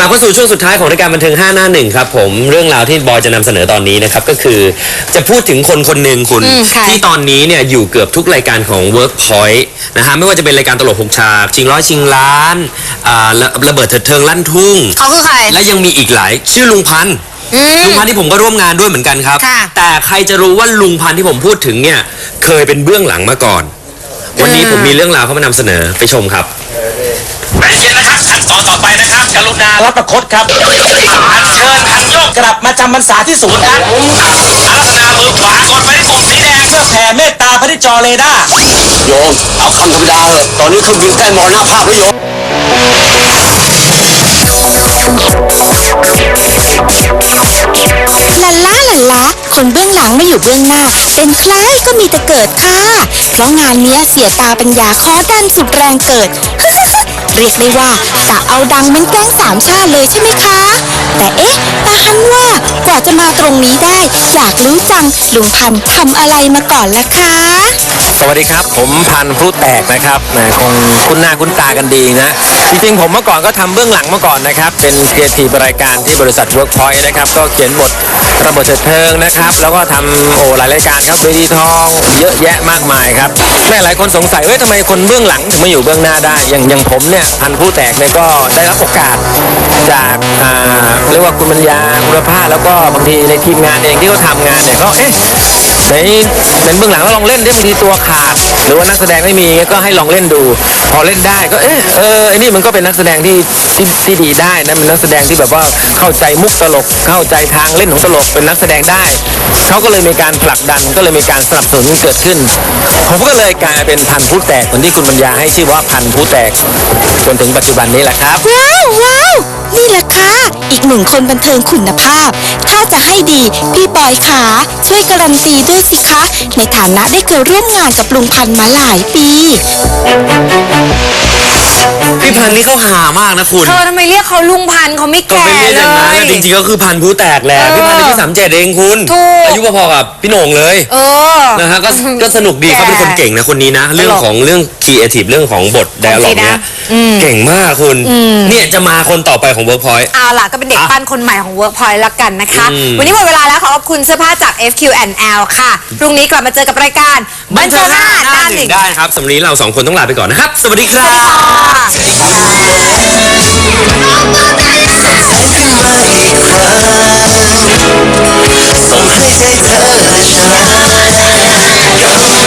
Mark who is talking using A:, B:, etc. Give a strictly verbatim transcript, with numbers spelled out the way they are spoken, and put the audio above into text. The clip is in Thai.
A: ลับเข้าสู่ช่วงสุดท้ายของรายการบันเทิงห้าหน้าหนึ่งครับผมเรื่องราวที่บอยจะนำเสนอตอนนี้นะครับก็คือจะพูดถึงคนคนหนึ่งคุณที่ตอนนี้เนี่ยอยู่เกือบทุกรายการของ Workpoint นะฮะไม่ว่าจะเป็นรายการตลกหกฉากชิงร้อยชิงล้านอ่าระเบิดเถิดเทิงลั่นทุ่ง
B: เขาคือใคร
A: และยังมีอีกหลายชื่อลุงพันธ์ลุงพันธ์ที่ผมก็ร่วมงานด้วยเหมือนกันครับแต่ใครจะรู้ว่าลุงพันธ์ที่ผมพูดถึงเนี่ยเคยเป็นเบื้องหลังมาก่อนวันนี้ผมมีเรื่องราวเขามานำเสนอไปชมครับ
C: ใจเย็นนะครับขั้นตอนต่อไปนะครับกรุณารับประคตครับอัญเชิญพันโยกกลับมาจำพรรษาที่ศูนย์ครับอารัธนามือขวากดไปที่ปุ่มสีแดงเพื่อแผ่เมตตาพระที่จอเรดาร์
D: โยมเอาคำธรรมดาเถอะตอนนี้เครื่องบินใกล้มรณภาพแล้วโยม
E: ลันล่าลันล้าคนเบื้องหลังไม่อยู่เบื้องหน้าเป็นใครก็มีแต่เกิดค่ะเพราะงานนี้เสียตาปัญญาข้อดันสุดแรงเกิดเรียกได้ว่ากะเอาดังเหมือนแก๊งสามชาติเลยใช่ไหมคะแต่เอ๊ะตาฮันว่ากว่าจะมาตรงนี้ได้อยากรู้จังลุงพันธ์ทำอะไรมาก่อนล่ะคะ
F: สวัสดีครับผมพันธุ์พลุแตกนะครับคงคุ้นหน้าคุ้นตากันดีนะจริงๆผมเมื่อก่อนก็ทำเบื้องหลังมาก่อนนะครับเป็นครีเอทีฟรายการที่บริษัท Workpoint นะครับก็เขียนบทระเบิดเถิดเทิงนะครับแล้วก็ทำโอ้หลายรายการครับเวทีทองเยอะแยะมากมายครับแม่หลายคนสงสัยว่าทำไมคนเบื้องหลังถึงมาอยู่เบื้องหน้าได้อย่างอย่างผมเนี่ยพันธุ์พลุแตกเนี่ยก็ได้รับโอกาสจากอ่าเรียกว่าคุณปัญญาคุณภาพแล้วก็บางทีในทีมงานเองที่เขาทำงานเนี่ยก็เอ๊ะในเป็นเบื้องหลังแล้วลองเล่นได้บางทีตัวขาดหรือว่านักแสดงไม่มีก็ให้ลองเล่นดูพอเล่นได้ก็เอ๊ะเออไอ้นี่มันก็เป็นนักแสดงที่ที่ที่ดีได้นะเป็นนักแสดงที่แบบว่าเข้าใจมุกตลกเข้าใจทางเล่นของตลกเป็นนักแสดงได้เขาก็เลยมีการผลักดันก็เลยมีการสนับสนุนเกิดขึ้นผมก็เลยกลายเป็นพันธุ์พลุแตกคนที่คุณปัญญาให้ชื่อว่าพันธุ์พลุแตกจนถึงปัจจุบันนี้แหละครับ
E: ว้าวว้าวนี่แหละค่ะอีกหนึ่งคนบันเทิงคุณภาพถ้าจะให้ดีพี่บอยขาช่วยการันตีด้วยสิคะในฐานะได้เคยร่วมงานกับลุงพันธ์มาหลายปี
A: พี่พันธ์นี่เขาหามากนะคุณ
B: เธอทำไมเรียกเขาลุงพันธ์เขาไม่แก่เลย
A: จริงๆก็คือพันธุ์พลุแตกแหละพี่พันธ์อายุสามเจ็ดเองคุณอายุพอๆกับพี่โหน่งเลย
B: เออ
A: นะฮะก็ก็สนุกดีเขาเป็นคนเก่งนะคนนี้นะเรื่องของเรื่องครีเอทีฟเรื่องของบทไดอะล็อกเนี่ยเก่งมากคุณเนี่ยจะมาคนต่อไปของ Workpoint
B: เอาล่ะก็เป็นเด็กปั้นคนใหม่ของ Workpoint ละกันนะคะวันนี้หมดเวลาแล้วขอบคุณเสื้อผ้าจาก เอฟ คิว แอนด์ แอล ค่ะพรุ่งนี้กลับมาเจอกับรายการบันเทิงห้าหน้าหนึ่ง
A: ได้ครับสำหรับวันนี้เราสองคนต้องลาไปก่อนนะครับสวัสดีครับ
D: ส่งให้ใจเธอและฉัน